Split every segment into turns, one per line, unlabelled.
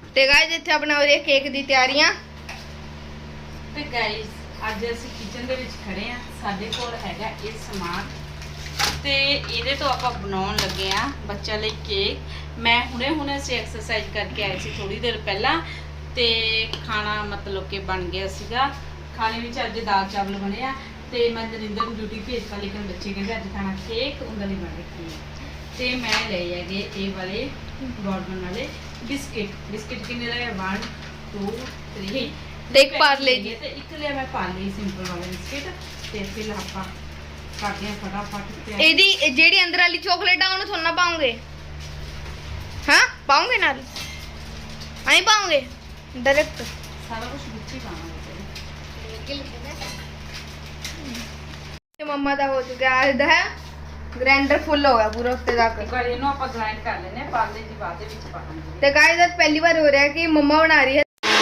ਤੇ ਗਾਇਸ ਇੱਥੇ ਆਪਣਾ ਹੋ ਰਹੀ ਕੇਕ ਦੀ ਤਿਆਰੀਆਂ।
ਤੇ ਗਾਇਸ ਅੱਜ ਅਸੀਂ ਕਿਚਨ ਦੇ ਵਿੱਚ ਖੜੇ ਆ। ਸਾਡੇ ਕੋਲ ਹੈਗਾ ਇਹ ਸਮਾਨ ਤੇ ਇਹਦੇ ਤੋਂ ਆਪਾਂ ਬਣਾਉਣ ਲੱਗੇ ਆ ਬੱਚਿਆਂ ਲਈ ਕੇਕ। ਮੈਂ ਹੁਣੇ ਅਸੀਂ ਐਕਸਰਸਾਈਜ਼ ਕਰਕੇ ਆਏ ਸੀ ਥੋੜੀ ਦੇਰ ਪਹਿਲਾਂ ਤੇ ਖਾਣਾ ਮਤਲਬ ਕਿ ਬਣ ਗਿਆ ਸੀਗਾ। ਖਾਣੇ ਵਿੱਚ ਅੱਜ ਦਾਲ ਚਾਵਲ ਬਣੇ ਆ ਤੇ ਮੈਂ ਨਰਿੰਦਰ ਨੂੰ ਡਿਊਟੀ ਭੇਜਤਾ, ਲੇਕਿਨ ਬੱਚੇ ਕਹਿੰਦੇ ਅੱਜ ਖਾਣਾ ਕੇਕ ਉਹਨਾਂ ਲਈ ਬਣ ਰੱਖੀ ਹੈ। ਤੇ ਮੈਂ ਲਏ ਹੈਗੇ ਇਹ ਵਾਲੇ ਗੋਰਡਨ ਵਾਲੇ ਬਿਸਕਿਟ ਕਿੰਨੇ ਲਏ 1 2 3
ਤੇ ਇੱਕ ਪਾਰਲੇ ਜੀ
ਤੇ ਇੱਕ ਲਿਆ ਮੈਂ ਪਾਰਲੇ ਸਿੰਪਲ ਵਾਲਾ ਬਿਸਕਿਟ। ਤੇ ਫਿਰ ਆਪਾਂ ਕਰਦੇ ਆ ਫਟਾਫਟ ਤੇ
ਇਹਦੀ ਜਿਹੜੀ ਅੰਦਰ ਵਾਲੀ ਚਾਕਲੇਟ ਆ ਉਹਨੂੰ ਥੋੜਾ ਪਾਉਂਗੇ। ਹਾਂ ਪਾਉਂਗੇ ਨਾਲ ਆਈ ਪਾਉਂਗੇ डायरेक्ट
ਸਾਰਾ ਕੁਝ ਵਿੱਚ ਹੀ ਪਾਣਾ
ਤੇ ਮੰਮਾ ਦਾ ਹੋ ਚੁੱਕਿਆ ਹੈ ਗ੍ਰਾਈਂਡਰ ਫੁੱਲ ਹੋ ਗਿਆ ਪੂਰਾ ਉੱਤੇ ਤੱਕ।
ਇੱਕ ਵਾਰ ਇਹਨੂੰ ਆਪਾਂ ਗ੍ਰਾਈਂਡ ਕਰ ਲੈਨੇ ਆ, ਪਾਰਲੇ ਦੀ ਬਾਅਦ ਦੇ ਵਿੱਚ ਪਾਵਾਂਗੇ।
ਤੇ ਗਾਇਸ ਅੱਜ ਪਹਿਲੀ ਵਾਰ ਹੋ ਰਿਹਾ ਕਿ ਮੰਮਾ ਬਣਾ ਰਹੀ ਹੈ।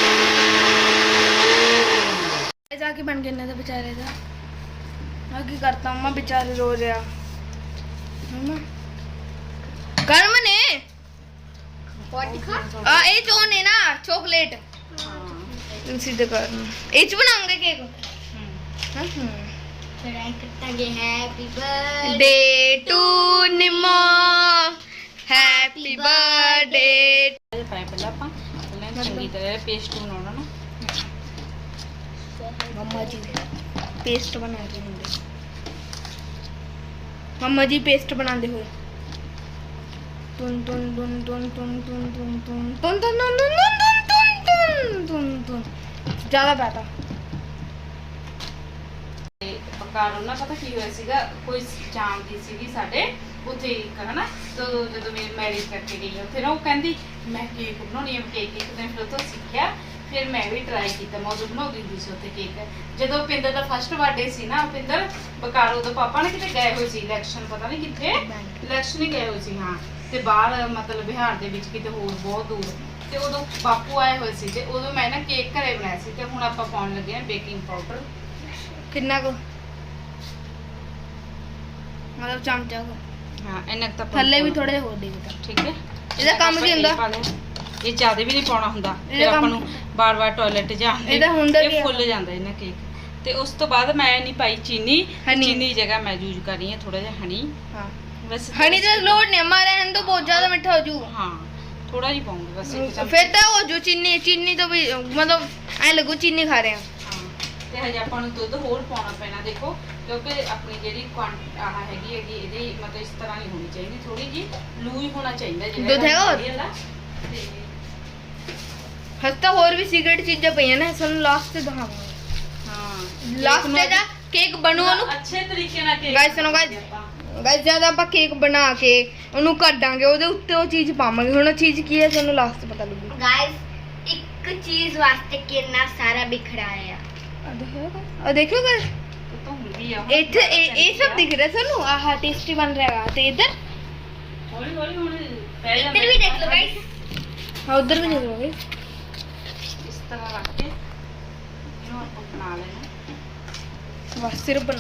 ਜਾ ਕੇ ਬਣ ਕੇ ਇਹਨਾਂ ਦਾ ਵਿਚਾਰੇ ਦਾ ਆ ਕੀ ਕਰਤਾ ਮੰਮਾ ਵਿਚਾਰੇ ਰੋ ਰਿਹਾ। ਮੰਮਾ ਗਰਮ ਨੇ ਆ ਇਹ ਜੋ ਨੇ ਨਾ ਚਾਕਲੇਟ ਸਿੱਧੇ ਕਰਨਾ ਇਹ ਚ ਬਣਾਉਂਗੇ ਕੇਕ।
ट्राई करता happy birthday
day to Nimo happy birthday.
ਇਹ ਪਾਇਆ ਪਹਿਲਾਂ ਆਪਾਂ ਪਹਿਲਾਂ ਚੰਗੀ ਤਰ੍ਹਾਂ ਪੇਸਟ ਬਣਾਉਣਾ ਨਾ।
मम्मा जी पेस्ट बना रहे होंगे। मम्मा जी पेस्ट बनाते हुए टुन टुन टुन टुन टुन टुन टुन टुन टुन टुन टुन टुन टुन टुन टुन ज्यादा बैठा।
ਪਕਾਰੋ ਨਾ ਪਤਾ ਕੀ ਹੋਇਆ ਸੀਗਾ, ਕੋਈ ਜਾਮ ਦੀ ਸੀਗੀ ਸਾਡੇ ਉੱਥੇ ਹਨਾ। ਜਦੋਂ ਮੇਰੀ ਮੈਰਿਜ ਕਰਕੇ ਗਈ ਉੱਥੇ ਨਾ ਉਹ ਕਹਿੰਦੀ ਮੈਂ ਕੇਕ ਬਣਾਉਣੀ ਹੈ ਕੇਕ। ਇੱਕ ਦਿਨ ਫਿਰ ਉੱਥੋਂ ਸਿੱਖਿਆ, ਫਿਰ ਮੈਂ ਵੀ ਟਰਾਈ ਕੀਤਾ। ਮੈਂ ਉਦੋਂ ਬਣਾਉਂਦੀ ਹੁੰਦੀ ਸੀ ਉੱਥੇ ਕੇਕ। ਜਦੋਂ ਪਿੰਦਰ ਦਾ ਫਸਟ ਬਰਥਡੇ ਸੀ ਨਾ, ਪਿੰਦਰ ਬਕਾਰੋ ਦਾ ਪਾਪਾ ਨੇ ਕਿਤੇ ਗਏ ਹੋਏ ਸੀ ਇਲੈਕਸ਼ਨ, ਪਤਾ ਨਹੀਂ ਕਿੱਥੇ ਇਲੈਕਸ਼ਨ ਹੀ ਗਏ ਹੋਏ ਸੀ। ਹਾਂ ਤੇ ਬਾਹਰ ਮਤਲਬ ਬਿਹਾਰ ਦੇ ਵਿੱਚ ਕਿਤੇ ਹੋਰ ਬਹੁਤ ਦੂਰ। ਤੇ ਉਦੋਂ ਬਾਪੂ ਆਏ ਹੋਏ ਸੀ ਤੇ ਉਦੋਂ ਮੈਂ ਨਾ ਕੇਕ ਘਰੇ ਬਣਾਇਆ ਸੀ। ਤੇ ਹੁਣ ਆਪਾਂ ਪਾਉਣ ਲੱਗੇ ਹਾਂ ਬੇਕਿੰਗ ਪਾਊਡਰ।
कितना को मतलब चमचा को
ਹਾਂ ਇੰਨਾ ਕੁ ਤਾਂ
थल्ले भी थोड़े हो देगा।
ਠੀਕ ਹੈ।
ਇਹਦਾ ਕੰਮ ਕੀ ਹੁੰਦਾ?
ਇਹ ਜ਼ਿਆਦਾ ਵੀ ਨਹੀਂ ਪਾਉਣਾ ਹੁੰਦਾ, ਫਿਰ
ਇਹਦਾ
ਆਪਾਂ
ਕੰਮ-
ਨੂੰ ਬਾਰ-ਬਾਰ ਟਾਇਲਟ ਜਾਣ
ਇਹਦਾ ਹੁੰਦਾ ਕੀ
ਇਹ
ਆ?
ਫੁੱਲ ਜਾਂਦਾ ਇਹਨਾਂ ਕੇਕ। ਤੇ ਉਸ ਤੋਂ ਬਾਅਦ ਮੈਂ ਨਹੀਂ ਪਾਈ ਚੀਨੀ।
ਹਨੀ।
ਚੀਨੀ ਦੀ ਜਗ੍ਹਾ ਮੈਂ ਯੂਜ਼ ਕਰ ਰਹੀ ਹਾਂ ਥੋੜਾ ਜਿਹਾ ਹਨੀ।
हाँ
ਬਸ
हनी तो लोड नहीं हमारे हैं तो बहुत ज्यादा मीठा हो जू।
ਹਾਂ ਥੋੜਾ ਜਿਹਾ ਪਾਉਂਗੀ ਬਸ ਇੱਕ ਚਮਚ।
फिर तो वो जो चीनी तो भी मतलब ऐ लगू चीनी खा रहे हैं।
ਹਾਂ ਤੇ ਹਜੇ ਆਪਾਂ ਨੂੰ ਦੁੱਧ ਹੋਰ ਪਾਉਣਾ ਪੈਣਾ ਦੇਖੋ, ਕਿਉਂਕਿ ਆਪਣੀ ਜਿਹੜੀ ਆਹ ਹੈਗੀ ਇਹਦੀ ਮਤਲਬ ਇਸ ਤਰ੍ਹਾਂ ਨਹੀਂ ਹੋਣੀ ਚਾਹੀਦੀ, ਥੋੜੀ ਜੀ ਲੂਜ਼ ਹੋਣਾ ਚਾਹੀਦਾ ਜਿਹੜਾ
ਦੁੱਧ ਹੈਗਾ ਹੋਰ?
ਤੇ
हस्ता और भी सीक्रेट चीजें पई हैं ना सन लास्ट से दिखाऊंगा।
ਹਾਂ
लास्ट से जा केक ਬਣੂ ਉਹਨੂੰ
ਅੱਛੇ ਤਰੀਕੇ ਨਾਲ ਕੇਕ
ਗਾਇਸ ਸੁਣੋ ਗਾਇਸ ਜਦ ਆਪਾਂ ਕੇਕ ਬਣਾ ਕੇ ਉਹਨੂੰ ਕੱਢਾਂਗੇ ਉਹਦੇ ਉੱਤੇ ਉਹ ਚੀਜ਼ ਪਾਵਾਂਗੇ। ਹੁਣ ਉਹ ਚੀਜ਼ ਕੀ ਹੈ ਤੁਹਾਨੂੰ ਲਾਸਟ ਪਤਾ ਲੱਗੂ।
गाइस एक चीज वास्ते कितना सारा बिखराया
ਆ ਦੇਖੋ ਗਾਇਸ
ਤਾਂ ਹੁੰਦੀ ਆ
ਇੱਥੇ ਇਹ ਸਭ ਦਿਖ ਰਿਹਾ ਤੁਹਾਨੂੰ। ਆਹ ਟੇਸਟੀ ਬਣ ਰਿਹਾ ਹੈ ਤੇ ਇੱਧਰ
ਹੌਲੀ ਹੌਲੀ ਹੁਣ ਪੈ ਜਾਂਦਾ।
इधर भी देख लो गाइस।
ਹਾਂ ਉੱਧਰ ਵੀ ਦੇਖ ਲਓ ਗਾਇਸ।
ਇਸ ਤਰ੍ਹਾਂ ਰੱਖ ਕੇ ਇਹਨੂੰ ਆਪਾਂ ਬਣਾ ਲੈਣਾ।
ਬਸ ਸਿਰਫ ਬਣਾ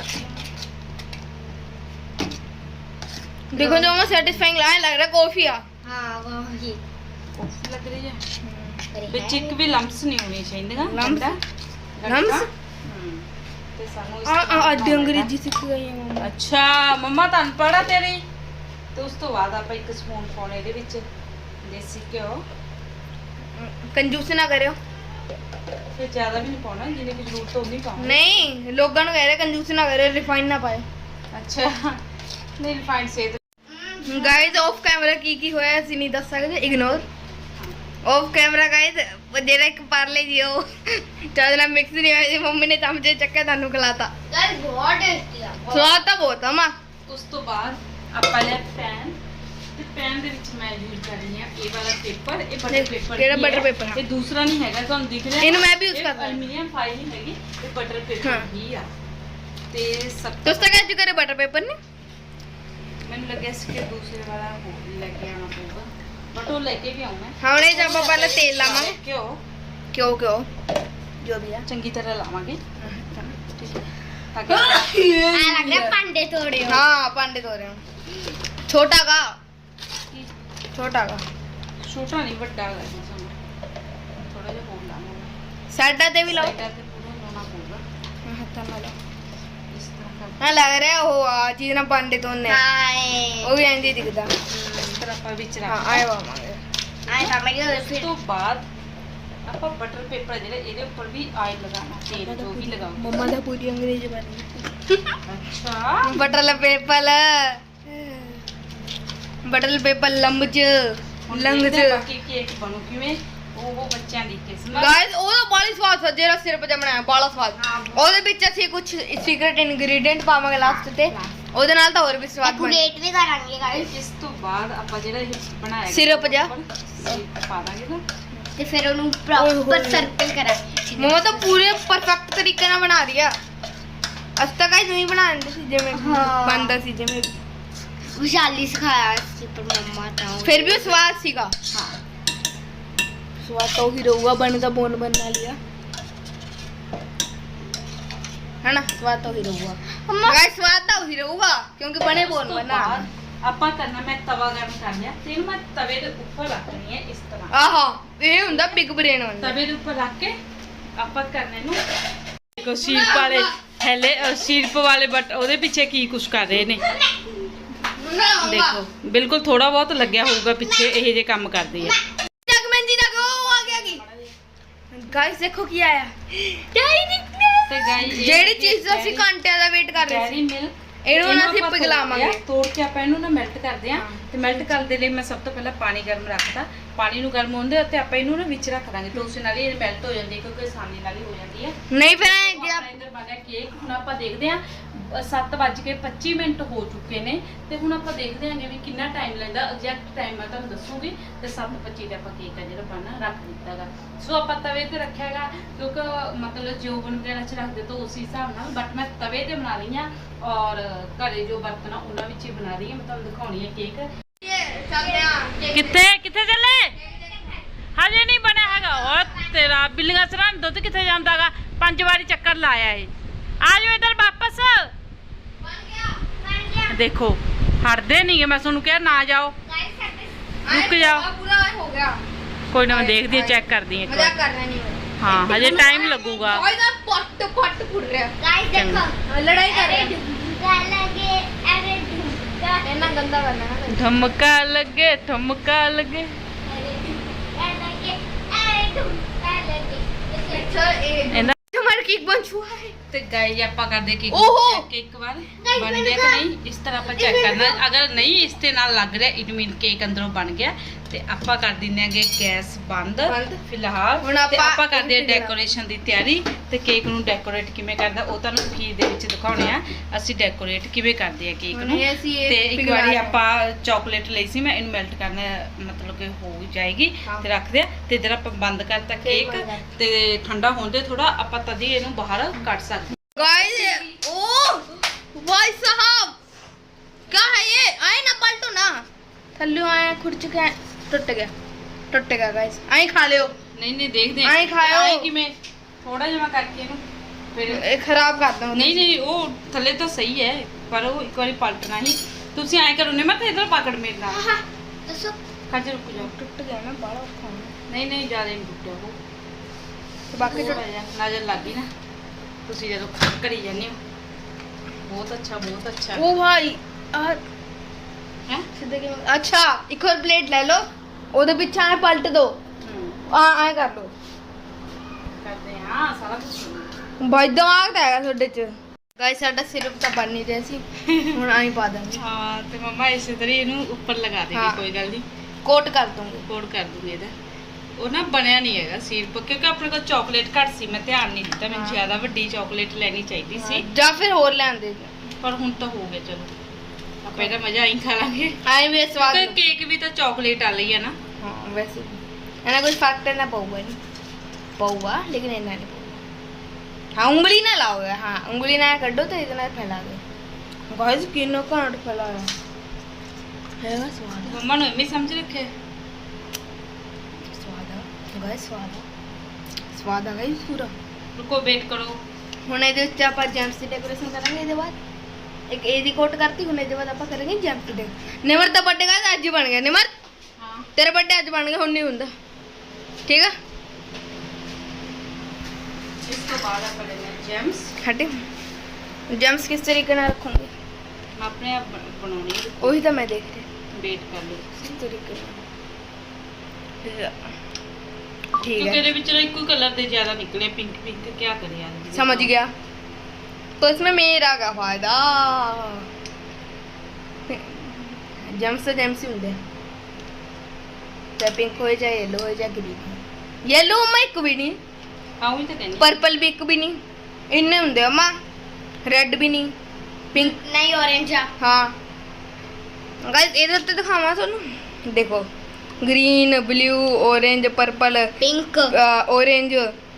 देखो जो मैं सेटिस्फाइंग लग रहा है कॉफी आ।
हाँ वही
ਕਾਫੀ ਲੱਗ ਰਹੀ ਹੈ
अरे
ਵਿੱਚ ਇੱਕ ਵੀ ਲੰਪਸ ਨਹੀਂ ਹੋਣੀ ਚਾਹੀਦੀਆਂ।
Lumps?
ਗੰਢਾ।
Lumps?
ਤੇ ਸਾਨੂੰ ਇਸ
आ
ਤਰ੍ਹਾਂ
आधी अंग्रेजी सीख गई है मम्मा।
ਅੱਛਾ ਮੰਮਾ ਤੁਹਾਨੂੰ ਪੜਾ ਤੇਰੀ। ਤੇ ਉਸ ਤੋਂ ਬਾਅਦ ਆਪਾਂ ਇੱਕ ਸਪੂਨ ਪਾਉਣੇ ਇਹਦੇ ਵਿੱਚ ਦੇਸੀ ਘਿਓ।
कंजूस ना करियो।
ਫਿਰ ਜ਼ਿਆਦਾ ਵੀ ਨਹੀਂ ਪਾਉਣਾ, ਜਿੰਨੀ ਕੁ ਜ਼ਰੂਰਤ ਉਨੀ ਪਾਉਣੀ।
नहीं लोगों ने कह रहे कंजूस ना करियो रिफाइन ना पाए।
ਅੱਛਾ ਨਹੀਂ ਰਿਫਾਈਂਡ ਸੇ
गाइस ऑफ कैमरा की होया ਅਸੀਂ ਨਹੀਂ ਦੱਸ ਸਕਦੇ ਇਗਨੋਰ ऑफ कैमरा गाइस ਜਿਹੜਾ ਇੱਕ ਪਾਰਲੇ ਜੀ ਉਹ ਜਦ ਨਾਲ ਮਿਕਸ ਨਹੀਂ ਹੋਇਆ ਸੀ ਮੰਮੀ ਨੇ ਚਮਚੇ ਚੱਕੇ ਤੁਹਾਨੂੰ ਖਿਲਾਤਾ।
गाइस बहुत टेस्टी है।
ਸਵਾਦ ਤਾਂ ਬਹੁਤ ਆ ਮਾਂ।
ਉਸ ਤੋਂ ਬਾਅਦ ਆਪਾਂ ਲਿਆ ਪੈਨ ਤੇ ਪੈਨ ਦੇ ਵਿੱਚ ਮੈਂ ਯੂਜ਼ ਕਰ ਰਹੀ ਹਾਂ ਇਹ ਵਾਲਾ ਪੇਪਰ। ਇਹ ਬਟਰ ਪੇਪਰ
ਕਿਹੜਾ butter paper?
ਇਹ ਦੂਸਰਾ ਨਹੀਂ ਹੈਗਾ ਤੁਹਾਨੂੰ ਦਿਖ ਰਿਹਾ।
ਇਹਨੂੰ ਮੈਂ ਵੀ use ਕਰਦਾ।
ਐਲੂਮੀਨੀਅਮ ਫਾਈਲ ਨਹੀਂ ਹੈਗੀ, ਇਹ ਬਟਰ
ਹਾਂ।
ਪੇਪਰ ਹੀ ਆ। ਤੇ ਸਭ
ਦੋਸਤਾਂ ਕਹਿ ਚੁੱਕੇ ਬਟਰ ਪੇਪਰ ਨੇ
ਮੈਨੂੰ ਲੱਗਿਆ ਸੀ ਕਿ ਦੂਸਰੇ ਵਾਲਾ ਹੋਰ ਲੈ ਕੇ ਆਉਣਾ ਪਊਗਾ, ਬਟ ਉਹ ਲੈ ਕੇ ਵੀ ਆਉਣਾ।
ਹੁਣ ਇਹ ਆਪਾਂ ਪਹਿਲਾਂ ਤੇਲ ਲਾਵਾਂਗੇ।
ਘਿਓ
ਕਿਉਂ ਜੋ ਵੀ ਆ
ਚੰਗੀ ਤਰ੍ਹਾਂ ਲਾਵਾਂਗੇ ਠੀਕ ਹੈ ਤਾਂ ਕਿ
लग रहा है पांडे तोड़े हो।
हाँ पांडे धो रहे हो। छोटा का
ਛੋਟਾ
का
ਨਹੀਂ ਵੱਡਾ ਹੈਗਾ ਜੀ ਸਾਨੂੰ। ਥੋੜਾ ਜਿਹਾ ਹੋਰ ਲਾਵਾਂਗੇ
ਸਾਡਾ ਤੇ ਵੀ ਲਾਓ
ਸਾਈਡਾਂ ਤੇ ਪੂਰਾ ਲਾਉਣਾ ਪਊਗਾ
ਹੱਥਾਂ ਨਾਲ ਲਾਓ।
ਇਸ ਤਰ੍ਹਾਂ
ਹਾਂ ਲੱਗ ਰਿਹਾ ਉਹ ਆ ਚੀਜ਼ ਨਾਲ ਪਾਂਡੇ ਤੋਂ ਨੇ
ਹਾਏ
ਉਹ ਵੀ ਇੰਜ ਹੀ ਦਿਖਦਾ
ਇਸ ਤਰ੍ਹਾਂ ਆਪਾਂ ਵਿੱਚ
ਹਾਂ
ਰੱਖ
ਆਏ ਵਾਵਾਂਗੇ
ਆਏ ਸਮਝ ਗਏ
ਉਸ ਤੋਂ ਬਾਅਦ ਆਪਾਂ ਬਟਰ ਪੇਪਰ ਜਿਹੜੇ ਇਹਦੇ ਉੱਪਰ ਵੀ ਆਇਲ ਲਗਾਉਣਾ ਤੇਲ ਜੋ ਵੀ ਲਗਾਉਂਗੇ
ਮੰਮਾ ਦਾ ਪੂਰੀ ਅੰਗਰੇਜ਼ੀ ਬਣ
ਅੱਛਾ
ਬਟਰ ਪੇਪਰ ਬਟਰ ਪੇਪਰ ਲੰਬਚ
ਹੁਣ
ਲੰਗ
ਦੇਖਦੇ
ਚ
ਹਾਂ ਬਾਕੀ ਕੇਕ ਬਣੂ ਕਿਵੇਂ ਉਹ ਬੱਚਿਆਂ ਦੀ ਕਿਸਮਤ
ਗਾਇਸ ਉਹਦਾ ਬਾਲੀ ਸਵਾਦ ਸੀ ਜਿਹੜਾ ਸਿਰਪ ਜਿਹਾ ਬਣਾਇਆ ਬਾਲਾ ਸਵਾਦ ਉਹਦੇ ਵਿੱਚ ਅਸੀਂ ਕੁਝ ਸੀਕ੍ਰੀਟ ਇਨਗਰੀਡੀਐਂਟ ਪਾਵਾਂਗੇ ਲਾਸਟ ਤੇ ਉਹਦੇ ਨਾਲ ਤਾਂ ਹੋਰ ਵੀ ਸਵਾਦ ਬਣ
ਡੈਕੋਰੇਟ ਵੀ ਕਰਾਂਗੇ ਗਾਇਸ
ਇਸ ਤੋਂ ਬਾਅਦ ਆਪਾਂ ਜਿਹੜਾ ਇਹ ਬਣਾਇਆ
ਸਿਰਪ ਜਿਹਾ।
ਸਿਰਪ ਪਾ ਦਾਂਗੇ ਨਾ
ਤੇ ਫਿਰ ਉਹਨੂੰ
ਓਏ
ਪ੍ਰੋਪਰ
ਹੋਏ।
ਸਰਕਲ ਕਰਾਂਗੇ
ਮਮਾ ਤਾਂ ਪੂਰੇ ਪਰਫੈਕਟ ਤਰੀਕੇ ਨਾਲ ਬਣਾ ਰਹੀ ਆ ਅੱਜ ਤੱਕ ਹੀ ਨਹੀਂ ਬਣਾਉਂਦੇ ਸੀ ਜਿਵੇਂ
ਹਾਂ।
ਬਣਦਾ ਸੀ ਜਿਵੇਂ
ਵਿਸ਼ਾਲੀ ਸਿਖਾਇਆ ਸੀ ਪਰ ਮੰਮਾ ਤਾਂ
ਫਿਰ ਵੀ ਉਹ ਸਵਾਦ ਸੀਗਾ
ਹਾਂ
ਸਵਾਦ ਤਾਂ ਉਹੀ ਰਹੂਗਾ ਬਣਦਾ ਬੋਨ ਬਣਨਾ ਲਿਆ है ना स्वाद तो ही रहूगा गाइस स्वाद तो ही रहूगा क्योंकि बने बोन बना
ਆਪਾਂ ਕਰਨਾ ਮੈਂ ਤਵਾ ਗਰਮ ਕਰ ਲਿਆ ਤੇ ਇਹਨੂੰ ਮੈਂ ਤਵੇ ਦੇ ਉੱਪਰ ਰੱਖਣੀ ਹੈ ਇਸ ਤਰ੍ਹਾਂ
ਆਹਾ ਇਹ ਹੁੰਦਾ ਬਿਗ ਬ੍ਰੇਨ ਹੁੰਦਾ
ਤਵੇ ਦੇ ਉੱਪਰ ਰੱਖ ਕੇ ਆਪਾਂ ਕਰਨੇ ਨੂੰ ਦੇਖੋ ਸ਼ੀਰਪ ਵਾਲੇ ਹੈਲੇ ਸ਼ੀਰਪ ਵਾਲੇ ਬਟ ਉਹਦੇ ਪਿੱਛੇ ਕੀ ਕੁਛ ਕਰ ਰਹੇ ਨੇ ਦੇਖੋ ਬਿਲਕੁਲ ਥੋੜਾ ਬਹੁਤ ਲੱਗਿਆ ਹੋਊਗਾ ਪਿੱਛੇ ਇਹ ਜੇ ਕੰਮ ਕਰਦੀ ਹੈ
जगमंजी तक वो आ गया की गाइस देखो की आया
ਤੇ ਗਾਈ
ਜਿਹੜੀ ਚੀਜ਼ ਅਸੀਂ ਘੰਟਿਆਂ ਦਾ ਵੇਟ ਕਰ ਰਹੇ
ਡੈਰੀ
ਸੀ
ਮਿਲਕ
ਇਹਨੂੰ ਨਾ ਅਸੀਂ
ਆਪਾਂ
ਪਿਘਲਾਵਾਂਗੇ
ਤੋੜ ਕੇ ਆਪਾਂ ਇਹਨੂੰ ਨਾ ਮੈਲਟ ਕਰਦੇ ਆ ਤੇ ਮੈਲਟ ਕਰਨ ਦੇ ਲਈ ਮੈਂ ਸਭ ਤੋਂ ਪਹਿਲਾਂ ਪਾਣੀ ਗਰਮ ਰੱਖਦਾ ਪਾਣੀ ਨੂੰ ਗਰਮ ਹੋਣ ਦੇ ਉੱਤੇ ਆਪਾਂ ਇਹਨੂੰ ਨਾ ਵਿੱਚ ਰੱਖ ਦਾਂਗੇ ਤੇ ਉਸੇ ਨਾਲ ਹੀ ਇਹ ਮੈਲਟ ਹੋ ਜਾਂਦੀ ਹੈ ਕਿਉਂਕਿ ਆਸਾਨੀ ਨਾਲ ਹੀ ਹੋ ਜਾਂਦੀ ਹੈ
नहीं फिर
ਆਪਣਾ ਇੱਧਰ ਬਣ ਗਿਆ ਕੇਕ ਹੁਣ ਆਪਾਂ ਦੇਖਦੇ ਆ 7:25 ਮਿੰਟ ਹੋ ਚੁੱਕੇ ਨੇ ਤੇ ਹੁਣ ਆਪਾਂ ਦੇਖਦੇ ਆਂਗੇ ਵੀ ਕਿੰਨਾ ਟਾਈਮ ਲੈਂਦਾ ਐਗਜ਼ੈਕਟ ਟਾਈਮ ਮੈਂ ਤੁਹਾਨੂੰ ਦੱਸੂਗੀ ਤੇ 7:25 ਤੇ ਆਪਾਂ ਕੇਕ ਆ ਜਿਹੜਾ ਬਣਨਾ ਰੱਖ ਦਿੱਤਾਗਾ ਸੋ ਆਪਾਂ ਤਵੇ ਤੇ ਰੱਖਿਆਗਾ ਕਿਉਂਕਿ ਮਤਲਬ ਜੋ ਓਵਨ ਵਗੈਰਾ ਚ ਰੱਖਦੇ ਤਾਂ ਉਸੇ ਹਿਸਾਬ ਨਾਲ ਬਟ ਮੈਂ ਤਵੇ ਤੇ ਬਣਾ ਰਹੀ ਆ ਔਰ ਘਰੇ ਜੋ ਬਰਤਨ ਆ ਉਹਨਾਂ ਵਿੱਚ ਹੀ ਬਣਾ ਰਹੀ ਆ ਮੈਂ ਤੁਹਾਨੂੰ ਦਿਖਾਉਣੀ ਹੈ ਕੇਕ ਕਿੱਥੇ ਕਿੱਥੇ ਚੱਲੇ ਹਜੇ ਨਹੀਂ ਬਣਿਆ ਹੈਗਾ ਉਹ ਤੇਰਾ ਬਿੱਲੀਆਂ ਸਰਾਂ ਦੁੱਧ ਕਿੱਥੇ ਜਾਂਦਾਗਾ 5 ਵਾਰੀ ਚੱਕਰ ਲਾਇਆ ਇਹ ਆ ਜਾਓ ਇਧਰ ਵਾਪਸ ਦੇਖੋ ਹਟਦੇ ਨਹੀਂ ਗੇ ਮੈਂ ਤੁਹਾਨੂੰ ਕਿਹਾ ਨਾ ਜਾਓ रुक जाओ।
पूरा हो गया
ਕੋਈ ਨਾ ਮੈਂ ਦੇਖਦੀ ਹਾਂ ਚੈੱਕ ਕਰਦੀ ਹਾਂ ਇੱਕ
मजाक
ਵਾਰ
कर रहा नहीं
ਹਾਂ ਹਜੇ ਟਾਈਮ ਲੱਗੂਗਾ
गाइस पट पट फुट रहा
गाइस देखो
लड़ाई कर रहे हैं
ढुमका लगे अरे ढुमका
इतना गंदा करना है ना
ਧਮਕਾ ਲੱਗੇ ਧਮਕਾ ਲੱਗੇ
ढुमका लगे अरे ढुमका लगे
अच्छा ये
ਇਹਦਾ
हमारा केक बन चुका है
ਤੇ ਗਾਈ ਆਪਾਂ ਕਰਦੇ ਕੇਕ
ਓਹੋ।
ਚੈੱਕ ਇੱਕ ਵਾਰ ਬਣ ਗਿਆ ਕਿ ਨਹੀਂ ਇਸ ਤਰ੍ਹਾਂ ਆਪਾਂ ਚੈੱਕ ਕਰਨਾ ਅਗਰ ਨਹੀਂ ਇਸ ਤੇ ਨਾਲ ਲੱਗ ਰਿਹਾ ਇਟ ਮੀਨ ਕੇਕ ਅੰਦਰੋਂ ਬਣ ਗਿਆ ਤੇ ਆਪਾਂ ਕਰ ਦਿੰਦੇ ਆਂਗੇ ਗੈਸ ਬੰਦ
ਬੰਦ।
ਫਿਲਹਾਲ
ਹੁਣ
ਤੇ
ਆਪਾਂ
ਆਪਾਂ ਕਰਦੇ ਆ
ਇਹਨੂੰ
ਡੈਕੋਰੇਸ਼ਨ ਦੀ ਤਿਆਰੀ ਤੇ ਕੇਕ ਨੂੰ ਡੈਕੋਰੇਟ ਕਿਵੇਂ ਕਰਦਾ ਉਹ ਤੁਹਾਨੂੰ ਅਖੀਰ ਦੇ ਵਿੱਚ ਦਿਖਾਉਣੇ ਆ ਅਸੀਂ ਡੈਕੋਰੇਟ ਕਿਵੇਂ ਕਰਦੇ ਆ ਕੇਕ
ਹੁਣ
ਨੂੰ
ਇਹ ਅਸੀਂ ਇਹ
ਤੇ ਇੱਕ
ਪਿਘਲਾ
ਵਾਰੀ
ਰਹੇ
ਆਪਾਂ ਚਾਕਲੇਟ ਲਈ ਸੀ ਮੈਂ ਇਹਨੂੰ ਮੈਲਟ ਕਰਨਾ ਮਤਲਬ ਕਿ ਹੋ ਜਾਏਗੀ
ਹਾਂ।
ਤੇ ਰੱਖਦੇ ਆ ਤੇ ਇਧਰ ਆਪਾਂ ਬੰਦ ਕਰਤਾ
ਕੇਕ
ਕੇਕ
ਬੰਦ ਕਰ।
ਤੇ ਠੰਡਾ ਹੋਣ ਦੇ ਥੋੜਾ ਆਪਾਂ ਤਦੀ ਇਹਨੂੰ ਬਾਹਰ ਕੱਢ ਸਕਦੇ
गाइस ओ भाई साहब क्या है ये आए ना पलटो ना थल्ले आए खुर्च के टूटेगा गाइस आई खा लियो
ਨਹੀਂ ਨਹੀਂ ਦੇਖਦੇ
ਆਏਂ ਖਾਇਓ।
ਆਏਂ ਕਿਵੇਂ ਥੋੜਾ ਜਿਹਾ ਮੈਂ ਕਰਕੇ ਇਹਨੂੰ ਫਿਰ
ये खराब करता हूं
ਨਹੀਂ ਨਹੀਂ ਉਹ ਥੱਲੇ ਤਾਂ ਸਹੀ ਹੈ ਪਰ ਉਹ ਇੱਕ ਵਾਰੀ ਪਲਟਣਾ ਹੀ ਤੁਸੀਂ ਐਂ ਕਰੋ ਨੇ ਮੈਂ ਤਾਂ ਇਧਰ ਪਕੜ ਮੇਰੇ ਨਾਲ
हाँ दसो
ਖੱਜ ਰੁਕ ਜਾਓ
टूट गया ना बड़ा खाना
ਨਹੀਂ ਨਹੀਂ ਜ਼ਿਆਦਾ ਨਹੀਂ ਟੁੱਟਿਆ ਉਹ
तो बाकी
ਥੋੜ੍ਹਾ ਜਿਹਾ ਨਜ਼ਰ ਲੱਗ ਗਈ ਨਾ ਤੁਸੀਂ ਜਦੋਂ ਕਰੀ ਜਾਂਦੇ ਹੋ ਬਹੁਤ ਅੱਛਾ
ओ भाई
ਹੈ
सीधे के अच्छा एक और प्लेट ले लो ओदे पीछे आए पलट दो आए कर लो
ਕਰਦੇ ਹਾਂ ਸਾਰਾ ਕੁਝ
भाई दिमाग तो है ਤੁਹਾਡੇ ਚ ਗਾਇਸ ਸਾਡਾ ਸਿਰਪ ਤਾਂ ਬਣ ਨਹੀਂ ਰਿਹਾ ਸੀ ਹੁਣ ਆਈ ਪਾ ਦਾਂਗੇ
ਹਾਂ ਤੇ ਮੰਮਾ ਇਸੇ ਤਰ੍ਹਾਂ ਹੀ ਇਹਨੂੰ ਉੱਪਰ ਲਗਾ ਦੇਗੀ
ਹਾਂ।
ਕੋਈ ਗੱਲ ਨਹੀਂ
ਕੋਟ ਕਰ ਦੂੰਗੇ
ਕੋਡ ਕਰ ਦੂੰਗੀ ਇਹਦਾ ਉਹ ਨਾ ਬਣਿਆ ਨਹੀਂ ਹੈਗਾ ਸਿਰਪ ਕਿਉਂਕਿ ਆਪਣੇ ਕੋਲ ਚਾਕਲੇਟ ਘੱਟ ਸੀ ਮੈਂ ਧਿਆਨ ਨਹੀਂ ਦਿੱਤਾ ਮੈਨੂੰ
ਹਾਂ।
ਜ਼ਿਆਦਾ ਵੱਡੀ ਚਾਕਲੇਟ ਲੈਣੀ ਚਾਹੀਦੀ ਸੀ
ਜਾਂ ਫਿਰ ਹੋਰ ਲੈਂਦੇ
ਪਰ ਹੁਣ ਤਾਂ ਹੋ ਗਿਆ ਚਲੋ ਆਪਾਂ ਇਹਦਾ ਮਜ਼ਾ ਆਈ ਖਾ ਲਾਂਗੇ
ਆਏ ਵੀ ਸਵਾਦ
ਕਿਉਂਕਿ ਕੇਕ ਵੀ ਤਾਂ ਚਾਕਲੇਟ ਵਾਲੀ ਹੈ ਨਾ
ਹਾਂ ਵੈਸੇ ਇਹਨਾਂ ਕੋਈ ਫਰਕ ਤਾਂ ਨਾ ਪਊਗਾ ਨਹੀਂ पौवा लेकिन इतना नहीं पौवा हाँ उंगली ना लाओगे हाँ उंगली ना कर दो तो इतना फैला दो गाइस किनो कांड फैलाया हैगा स्वाद
ਮੰਮਾ ਨੂੰ ਐਵੇਂ ਸਮਝ ਰੱਖੇ
स्वाद है गाइस स्वाद है गाइस पूरा
ਰੁਕੋ ਵੇਟ ਕਰੋ
ਹੁਣ ਇਹਦੇ ਉੱਤੇ ਆਪਾਂ ਜੈਮਸ ਦੀ ਡੈਕੋਰੇਸ਼ਨ ਕਰਾਂਗੇ ਇਹਦੇ ਬਾਅਦ ਇੱਕ ਇਹਦੀ ਕੋਟ ਕਰਤੀ ਹੁਣ ਇਹਦੇ ਬਾਅਦ ਆਪਾਂ ਕਰਾਂਗੇ ਜੈਮਸ ਦੀ ਨਿਮਰ ਦਾ ਬਰਥਡੇ ਅੱਜ ਹੀ ਬਣ ਗਿਆ ਨਿਮਰ
ਹਾਂ
ਤੇਰਾ ਬਰਥਡੇ ਅੱਜ ਬਣ ਗਿਆ ਹੁਣ ਨਹੀਂ ਹੁੰਦਾ ਠੀਕ ਆ
ਇਸ ਤੋਂ ਬਾਅਦ ਆਪਾਂ ਲੈਣੇ ਜੈਮਸ।
ਹਟੇ ਜੈਮਸ ਕਿਸ ਤਰੀਕੇ ਨਾਲ ਰੱਖੂੰਗੀ
ਮੈਂ ਆਪਣੇ ਆਪ ਬਣਾਉਣੀ ਹੈ,
ਉਹੀ ਤਾਂ ਮੈਂ ਦੇਖ ਰਹੀ
ਵੇਟ ਕਰ ਲਓ
ਕਿਸ ਤਰੀਕੇ ਨਾਲ ठीक
ਕਿਉਂਕਿ
है
ਇਹਦੇ ਵਿੱਚ ਨਾ ਇੱਕੋ ਕਲਰ ਦੇ ਜ਼ਿਆਦਾ ਨਿਕਲੇ ਪਿੰਕ ਪਿੰਕ ਕੀ ਕਰੇ ਯਾਰ
समझ गया तो इसमें मेरा क्या फायदा जेम्स तो जेम्स ही होंगे चाहे पिंक हो चाहे येलो हो चाहे ग्रीन हो येलो अम्मा एक भी नहीं
ਹਾਂ ਉਹੀ ਤਾਂ ਕਹਿੰਦੀ
पर्पल भी एक भी नहीं इन्ने होंगे अम्मा रेड भी नहीं पिंक
ਨਹੀਂ orange ਆ
हाँ गाइस ਇਹਦੇ ਉੱਤੇ ਦਿਖਾਵਾਂ ਤੁਹਾਨੂੰ ਦੇਖੋ green blue orange purple
pink
orange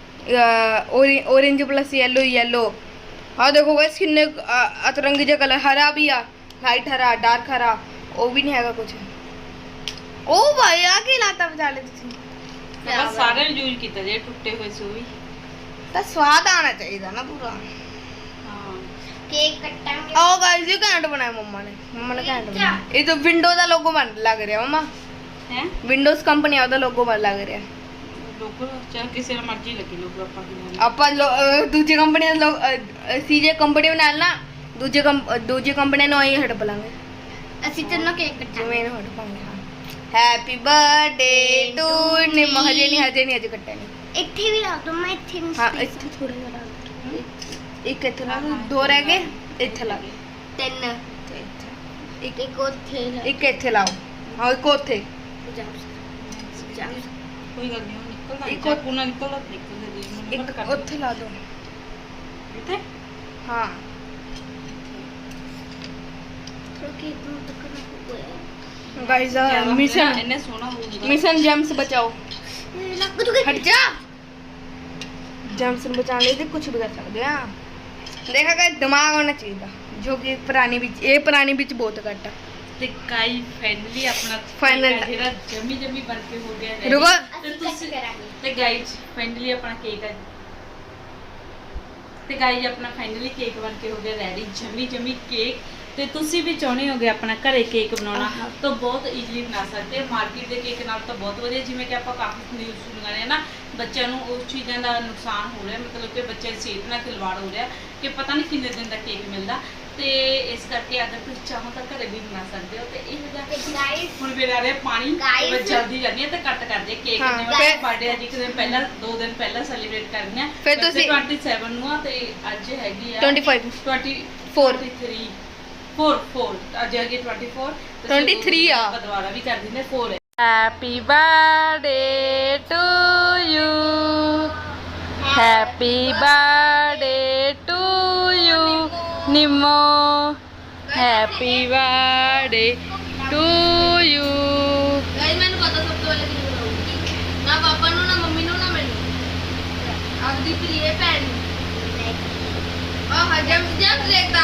orange plus yellow yellow हाँ देखो गाइस किन्ने अतरंगी जो कलर हरा भी आ लाइट हरा डार्क हरा वो भी नहीं हैगा कुछ ओ भाई आ के लाता बजा ले तुसी
ਬਸ ਸਾਰਿਆਂ ਨੇ ਯੂਜ਼ ਕੀਤਾ ਜੇ ਟੁੱਟੇ ਹੋਏ ਸੀ ਉਹ ਵੀ
ਤਾਂ ਸਵਾਦ ਆਣਾ ਚਾਹੀਦਾ ਨਾ ਪੂਰਾ
ਹਾਂ
ਕੇਕ ਕੱਟਾਂਗੇ
आओ गाइस ये कैंट बनाया मम्मा ने कैंट बनाया ये तो विंडो का लोगो बन लग रहा मम्मा
ਹੈ
विंडोज कंपनी ਦਾ ਲੋਗੋ ਬਣ ਲੱਗ ਰਿਹਾ
ਲੋਗੋ ਚਾਹ ਕਿਸੇ ਨਾਲ ਮਰਜ਼ੀ ਲੱਗੀ ਲੋਗੋ ਆਪਾਂ ਕੀ
ਆਪਾਂ ਦੂਜੀ ਕੰਪਨੀ ਦਾ ਲੋਗ ਸੀਜੇ ਕੰਪਨੀ ਨਾਲ ਨਾ ਦੂਜੀ ਕੰਪਨੀ ਨੂੰ ਹੀ ਹਟ ਬਲਾਂਗੇ
ਅਸੀਂ ਤੈਨੂੰ ਕੇਕ ਕੱਟਾਂਗੇ
ਜਿਵੇਂ ਇਹਨੂੰ ਹਟ ਪਾਂਗੇ ਹਾਂ ਹੈਪੀ ਬਰਥਡੇ ਟੂ ਨਿੰਮ ਹਜੇ ਨਹੀਂ ਅੱਜ ਕੱਟਿਆ ਨਹੀਂ
ਇੱਥੇ ਵੀ ਲਾ ਦੋ ਮੈਂ ਇੱਥੇ ਨਹੀਂ
ਹਾਂ ਇੱਥੇ ਥੋੜਾ ਜਿਹਾ ਲਾ ਦੇ। ਇੱਕ ਇੱਥੇ ਲਾ ਦੇ, ਦੋ ਰਹਿ ਗਏ ਇੱਥੇ ਲਾ ਦੇ।
ਤਿੰਨ
ਤੇ ਇੱਥੇ।
ਇੱਕ ਉੱਥੇ
ਇੱਕ ਇੱਥੇ ਲਾਓ ਹਾਂ ਇੱਕ ਉੱਥੇ
ਕੋਈ ਗੱਲ ਨਹੀਂ ਉਹ ਨਿਕਲਦਾ
ਇੱਕ
ਇੱਕ ਕੋਨਾ ਨਿਕਲਦਾ ਨਿਕਲਦਾ ਜੀ ਮੈਨੂੰ
ਇੱਕ
ਕੱਟ ਕਰ
ਉੱਥੇ ਲਾ ਦੋ
ਇੱਥੇ
ਹਾਂ
ਕੇਕ ਨੂੰ ਟੱਕਣਾ ਹੋਇਆ
गाइस
ਜ਼ਿਆਦਾ
मिशन
ਇੰਨੇ ਸੋਹਣਾ ਹੋਊਗਾ
मिशन जेम्स बचाओ
ਲੱਗ ਤੂੰ
हट जा जेम्स ਨੂੰ ਬਚਾਉਣ ਲਈ ਤੇ ਕੁਝ ਵੀ ਕਰ ਸਕਦੇ ਆ ਦੇਖਾ ਕਿ ਦਿਮਾਗ ਹੋਣਾ ਚਾਹੀਦਾ ਜੋ ਕਿ ਪੁਰਾਣੀ ਵਿੱਚ ਇਹ ਪੁਰਾਣੀ ਵਿੱਚ ਬਹੁਤ ਘੱਟ ਆ
ਤੇ ਕਾਈ ਫਾਈਨਲੀ ਆਪਣਾ
Final
cake ਆ ਜਿਹੜਾ ਜਮੀ ਬਣ ਕੇ ਹੋ ਗਿਆ ready।
ਰੁਕੋ
ਤੇ
ਅਸੀਂ
ਤੁਸੀਂ
ਕਰਾਂਗੇ
ਤੇ ਗਾਈਜ਼ ਫਾਈਨਲੀ ਆਪਣਾ ਕੇਕ ਆ ਤੇ ਗਾਈਜ਼ ਆਪਣਾ ਫਾਈਨਲੀ ਕੇਕ ਬਣ ਕੇ ਹੋ ਗਿਆ ਰੈਡੀ ਜਮੀ ਕੇਕ ਤੇ ਤੁਸੀਂ ਵੀ ਚਾਹੁੰਦੇ ਹੋਗੇ ਆਪਣਾ ਘਰੇ ਕੇਕ ਬਣਾਉਣਾ ਤਾਂ ਬਹੁਤ ਈਜ਼ੀਲੀ ਬਣਾ ਸਕਦੇ ਹੋ ਮਾਰਕੀਟ ਦੇ ਕੇਕ ਨਾਲ ਤਾਂ ਬਹੁਤ ਵਧੀਆ ਜਿਵੇਂ ਕਿ ਆਪਾਂ ਕਾਫੀ ਨਿਊਜ਼ ਸੁਣ ਰਹੇ ਹਾਂ ਨਾ ਬੱਚਿਆਂ ਨੂੰ ਉਸ ਚੀਜ਼ਾਂ ਦਾ ਨੁਕਸਾਨ ਹੋ ਰਿਹਾ ਮਤਲਬ ਕਿ ਬੱਚੇ ਦੀ ਸਿਹਤ ਨਾਲ ਖਿਲਵਾੜ ਹੋ ਰਿਹਾ ਕਿ ਪਤਾ ਨਹੀਂ ਕਿੰਨੇ ਦਿਨ ਦਾ ਕੇਕ ਮਿਲਦਾ ਤੇ ਇਸ ਕਰਕੇ ਅਗਰ ਤੁਸੀਂ ਚਾਹੋ ਤਾਂ ਘਰੇ ਵੀ ਬਣਾ ਸਕਦੇ ਹੋ ਤੇ ਇਹ ਜਿਹਾ
ਗਾਇਸ
ਹੁਣ ਵੀ ਆ ਰਿਹਾ ਪਾਣੀ
Guys,
ਮੈਂ ਜਲਦੀ ਜਾਂਦੀ ਹਾਂ ਤੇ ਕੱਟ ਕਰਦੇ ਕੇਕ
ਹਾਂ,
ਜਿਵੇਂ
ਫਿਰ-
ਬਰਥਡੇ ਅੱਜ ਇੱਕ ਦਿਨ ਪਹਿਲਾਂ 2 ਦਿਨ ਪਹਿਲਾਂ ਸੈਲੀਬ੍ਰੇਟ ਕਰਨੀ ਆ
ਫਿਰ
ਵੈਸੇ
ਤੁਸੀਂ-
27 ਨੂੰ ਆ ਤੇ ਅੱਜ ਹੈਗੀ ਆ
25
24 4 ਅੱਜ ਹੈਗੀ 24 ਤੇ
23 ਆ।
ਆਪਾਂ ਦੁਬਾਰਾ ਵੀ ਕਰ ਦਿੰਦੇ 4 ਹੈ
happy birthday to you happy birthday to you Nimmo happy birthday to you guys मैंने पता सब तो वाले दिन बनाऊंगी ना पापा नु ना मम्मी नु ना मैंने आपदी प्रिय भैन ओ हजम जब लेता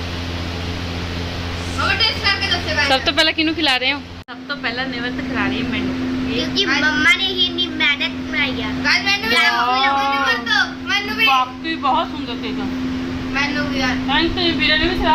मम्मा टेस्ट करके दसो गाइस
ਸਭ ਤੋਂ ਪਹਿਲਾਂ ਕਿਹਨੂੰ ਖਿਲਾ ਰਹੇ ਹੋ ਸਭ ਤੋਂ ਪਹਿਲਾਂ ਨਿਵਰਤ ਖਿਲਾ ਰਹੀ ਹੈ ਮੈਨੂੰ
ਕਿਉਂਕਿ ਮੰਮਾ ਨੇ ਹੀ ਇੰਨੀ ਮਿਹਨਤ ਬਣਾਈ ਆ
गाइस मैंने भी मैंने भी
ਬਾਕੀ ਬਹੁਤ ਸੁੰਦਰ ਕੇਕ ਆ
मैंने भी यार
ਥੈਂਕ ਯੂ ਵੀਰੇ ਨੇ ਵੀ ਖਿਲਾ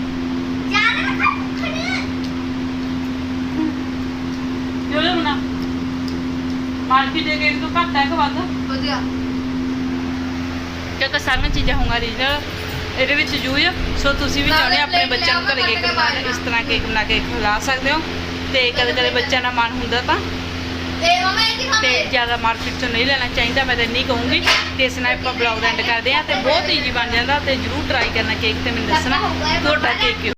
ਜੋ ਬਣਾ ਮਾਰਕੀਟ ਦੇ ਕੇਕ ਤੋਂ ਘੱਟ ਹੈ ਕਿ ਵੱਧ
ਵਧੀਆ
ਕਿਉਂਕਿ ਸਾਰੀਆਂ ਚੀਜ਼ਾਂ ਹੋਣਗੀਆਂ ਰੀਜਨਲ ਇਹਦੇ ਵਿੱਚ ਯੂਜ਼ ਸੋ ਤੁਸੀਂ ਵੀ ਚਾਹੁੰਦੇ ਆਪਣੇ ਬੱਚਿਆਂ ਨੂੰ ਘਰੇ ਕੇਕ ਬਣਾ ਕੇ ਇਸ ਤਰ੍ਹਾਂ ਕੇਕ ਬਣਾ ਕੇ ਖਿਲਾ ਸਕਦੇ ਹੋ ਤੇ ਕਦੇ ਬੱਚਿਆਂ ਦਾ ਮਨ ਹੁੰਦਾ ਤਾਂ
ਤੇ ਮਮਾ ਇਹ ਕੀ
ਤੇ ਜ਼ਿਆਦਾ ਮਾਰਕੀਟ ਚੋਂ ਨਹੀਂ ਲੈਣਾ ਚਾਹੀਦਾ ਮੈਂ ਤਾਂ ਇੰਨੀ ਕਹੂੰਗੀ ਤੇ ਇਸ ਨਾਲ ਆਪਾਂ ਬਲੌਗ ਐਂਡ ਕਰਦੇ ਹਾਂ ਤੇ ਬਹੁਤ ਈਜ਼ੀ ਬਣ ਜਾਂਦਾ ਤੇ ਜਰੂਰ ਟਰਾਈ ਕਰਨਾ ਕੇਕ ਤੇ ਮੈਨੂੰ ਦੱਸਣਾ ਤੁਹਾਡਾ ਕੇਕ